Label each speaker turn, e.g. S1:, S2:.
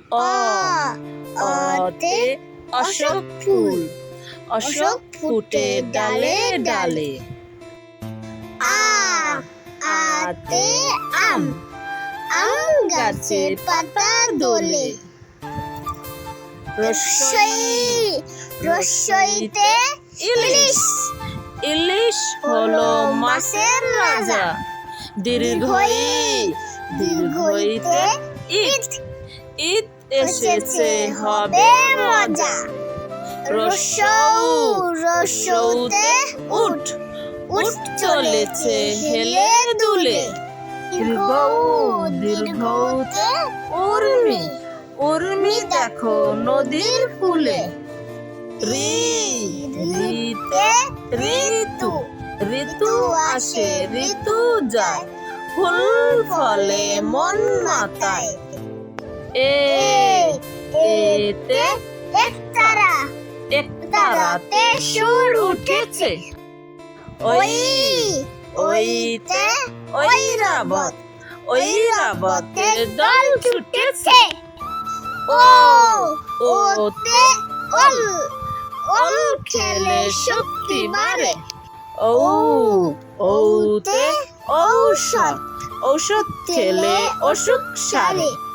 S1: অ অতে অশোক ফুল, অশোক ফুটে ডালে ডালে। আ আতে আম, আম গাছে পাতা দোলে। রস্বইতে ইলিশ, ইলিশ হলো মাছের রাজা। দীর্ঘইতে ঈদ, ঈদ এসেছে হবে মজা। রস্যতে উট, উট চলেছে হেলে দুলে। দীর্ঘউতে উর্মি, উর্মি দেখো নদীর কূলে। ঋতে ঋতু, ঋতু আসে ঋতু যায়, ফুল ফলে মন মাতায়। এতে একতারা, একতারাতে সুর উঠেছে। ওইতে ঐরাবত, ঐরাবতের দল ছুটেছে। ওতে ওল, ওল খেলে শক্তি বাড়ে। ঔতে ঔষধ, ঔষধ খেলে অসুখ সারে।